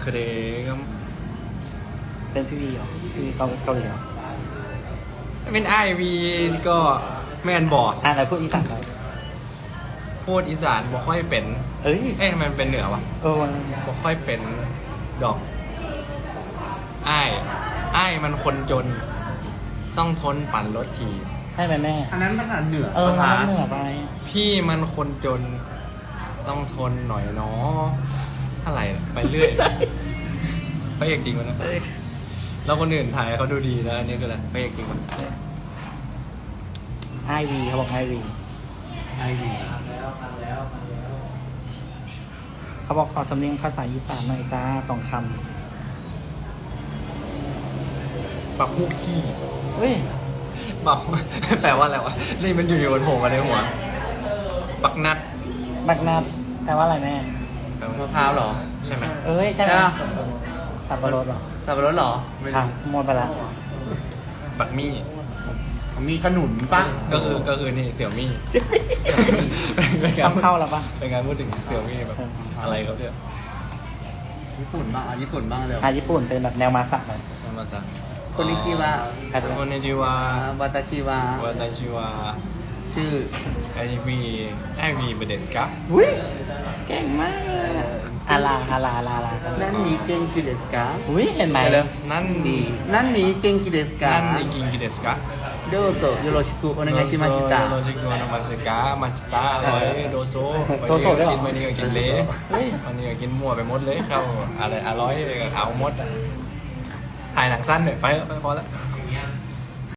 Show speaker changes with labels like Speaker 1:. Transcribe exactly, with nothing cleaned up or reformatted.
Speaker 1: คือเด็ก
Speaker 2: เป็นพี่วีเหรอพี่วีเกาเกาหลีเหรอ
Speaker 1: เป็นไอวีก็แม่นบอก
Speaker 2: อ่าอะไรพูดอีสานไป
Speaker 1: พูดอีสานบอกค่อยเป็น
Speaker 2: เอ้ย
Speaker 1: เอ๊ะทำไมมันเป็นเหนือวะ
Speaker 2: เออ
Speaker 1: บอกค่อยเป็นดอกไอ้ไอ้ายมันคนจน ต้องทนปั่นรถที
Speaker 2: ใช่ไหมแม่
Speaker 3: อันนั้นภาษาเหนือ
Speaker 2: เออ
Speaker 3: ภาษา
Speaker 2: มันเหนือไป
Speaker 1: พี่มันคนจน ต้องทนหน่อยเนาะอะไรไปเรื่อยพระเอกจริงวะนะ
Speaker 2: เอ้ย
Speaker 1: แล้วคนอื่นถ่ายเขาดูดีนะอันนี้คืออะไรพระเอกจริงวะ
Speaker 2: ไอวีเขาบอกไอวี
Speaker 3: ไอวี
Speaker 2: เขาบอกขอสำเนียงภาษาอีสานหน่อยจ้าสองค
Speaker 1: ปักมุกขี้
Speaker 2: ำเฮ้ย
Speaker 1: ปัก แปลว่าอะไรวะนี่มันอยู่ๆบนโผล่มาในหัว ปักนัด
Speaker 2: บักนัดแปลว่าอะไรแม่
Speaker 1: แปลว่าม
Speaker 3: ะพร้าวเหรอ
Speaker 1: ใช่ไหม
Speaker 2: เอ้ยใช่ไหม
Speaker 3: ใช่ปะ
Speaker 2: สับปะรดเหรอ
Speaker 3: สับปะรดเหรอ
Speaker 1: ไม่
Speaker 2: ค่ะ
Speaker 1: รู้
Speaker 2: หมดไปละ
Speaker 1: ปักมี่
Speaker 3: มีขนุนป่ะ
Speaker 1: ก็คือก็คือนี่เสี่ยวมี่ เป็นกา
Speaker 2: ต้
Speaker 1: ร
Speaker 2: องเข้าแล้วปะ
Speaker 1: เป็นการพูดถึงเสี่ยวมี่แบบ
Speaker 2: เออ
Speaker 1: อะไรครับเนี่ย
Speaker 3: ญี่ปุ่นบ้างอ่ะญี่ปุ่นบ้างเร็ว
Speaker 2: อาญี่ปุ่นเป็นแบบแนวมาสักเลย
Speaker 1: มาจาก
Speaker 3: คนนิจิวะ
Speaker 2: ใครเป็น
Speaker 1: คนนิจิวะ
Speaker 3: วาตาชิวะ
Speaker 1: วาตาชิวะ
Speaker 3: ชื่อ
Speaker 1: ไอวีไอวีเบเดสกะ
Speaker 3: อุ้ย
Speaker 2: เก่งมากเลยอะอาลาอาลาอาลาอาลากัน
Speaker 3: นั่นนี่เก่งกิเดสกา
Speaker 2: อุ้ยเห็นไหม
Speaker 3: เร็ว
Speaker 1: นั่น
Speaker 3: ดี
Speaker 1: ดี
Speaker 3: นั่นนี่เก่งกิเดสกา
Speaker 1: นั่นดีกินกิเดสกะ
Speaker 3: โดโซโยโรชิคุโอเนไงชิมาชิตะ
Speaker 1: โรจิโกโนมาชิกะมาชิตะอร่อยโดโซวันนี้ก็กินวันนี้ก็กินเละ
Speaker 2: เฮ้ย
Speaker 1: วันนี้ก็กินมั่วไปหมดเลยเข้าอะไรอร่อยเอาหมดอะถ่ายหนังสั้นหน่อยไปไปพอแล้ว